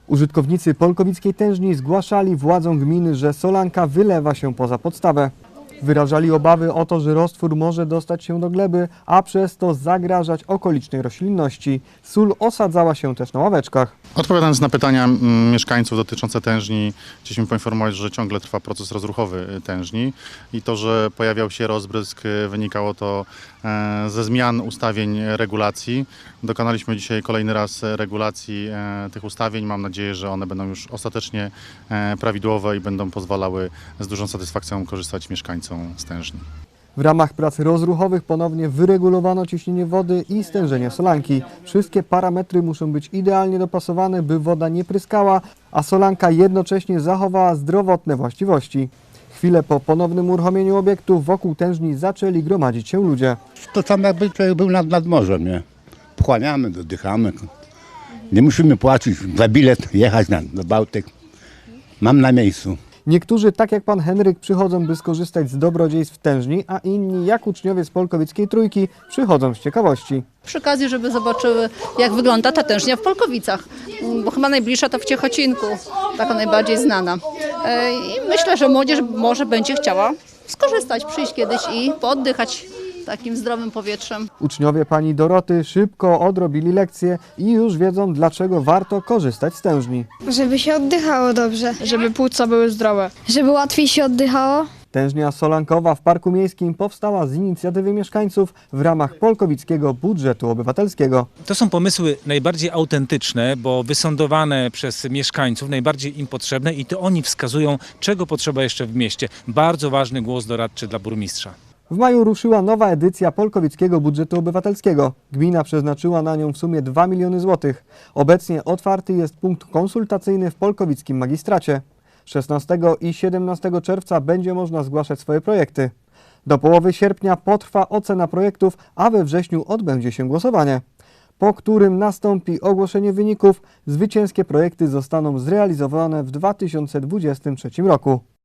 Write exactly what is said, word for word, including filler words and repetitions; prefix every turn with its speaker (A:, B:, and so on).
A: Użytkownicy polkowickiej tężni zgłaszali władzom gminy, że solanka wylewa się poza podstawę. Wyrażali obawy o to, że roztwór może dostać się do gleby, a przez to zagrażać okolicznej roślinności. Sól osadzała się też na ławeczkach.
B: Odpowiadając na pytania mm, mieszkańców dotyczące tężni, chcieliśmy poinformować, że ciągle trwa proces rozruchowy tężni i to, że pojawiał się rozbrysk, wynikało to e, ze zmian ustawień regulacji. Dokonaliśmy dzisiaj kolejny raz regulacji e, tych ustawień. Mam nadzieję, że one będą już ostatecznie e, prawidłowe i będą pozwalały z dużą satysfakcją korzystać mieszkańcom z tężni.
A: W ramach prac rozruchowych ponownie wyregulowano ciśnienie wody i stężenie solanki. Wszystkie parametry muszą być idealnie dopasowane, by woda nie pryskała, a solanka jednocześnie zachowała zdrowotne właściwości. Chwilę po ponownym uruchomieniu obiektu wokół tężni zaczęli gromadzić się ludzie.
C: To tam jakby człowiek był nad, nad morzem, nie? Pochłaniamy, oddychamy. Nie musimy płacić za bilet, jechać na, na Bałtyk. Mam na miejscu.
A: Niektórzy, tak jak pan Henryk, przychodzą, by skorzystać z dobrodziejstw tężni, a inni, jak uczniowie z Polkowickiej Trójki, przychodzą z ciekawości.
D: Przy okazji, żeby zobaczyły, jak wygląda ta tężnia w Polkowicach, bo chyba najbliższa to w Ciechocinku, taka najbardziej znana. I myślę, że młodzież może będzie chciała skorzystać, przyjść kiedyś i pooddychać takim zdrowym powietrzem.
A: Uczniowie pani Doroty szybko odrobili lekcje i już wiedzą, dlaczego warto korzystać z tężni.
E: Żeby się oddychało dobrze.
F: Żeby płuca były zdrowe.
E: Żeby łatwiej się oddychało.
A: Tężnia solankowa w Parku Miejskim powstała z inicjatywy mieszkańców w ramach polkowickiego budżetu obywatelskiego.
G: To są pomysły najbardziej autentyczne, bo wysądowane przez mieszkańców, najbardziej im potrzebne i to oni wskazują, czego potrzeba jeszcze w mieście. Bardzo ważny głos doradczy dla burmistrza.
A: W maju ruszyła nowa edycja polkowickiego budżetu obywatelskiego. Gmina przeznaczyła na nią w sumie dwa miliony złotych. Obecnie otwarty jest punkt konsultacyjny w polkowickim magistracie. szesnastego i siedemnastego czerwca będzie można zgłaszać swoje projekty. Do połowy sierpnia potrwa ocena projektów, a we wrześniu odbędzie się głosowanie, po którym nastąpi ogłoszenie wyników. Zwycięskie projekty zostaną zrealizowane w dwa tysiące dwudziestym trzecim roku.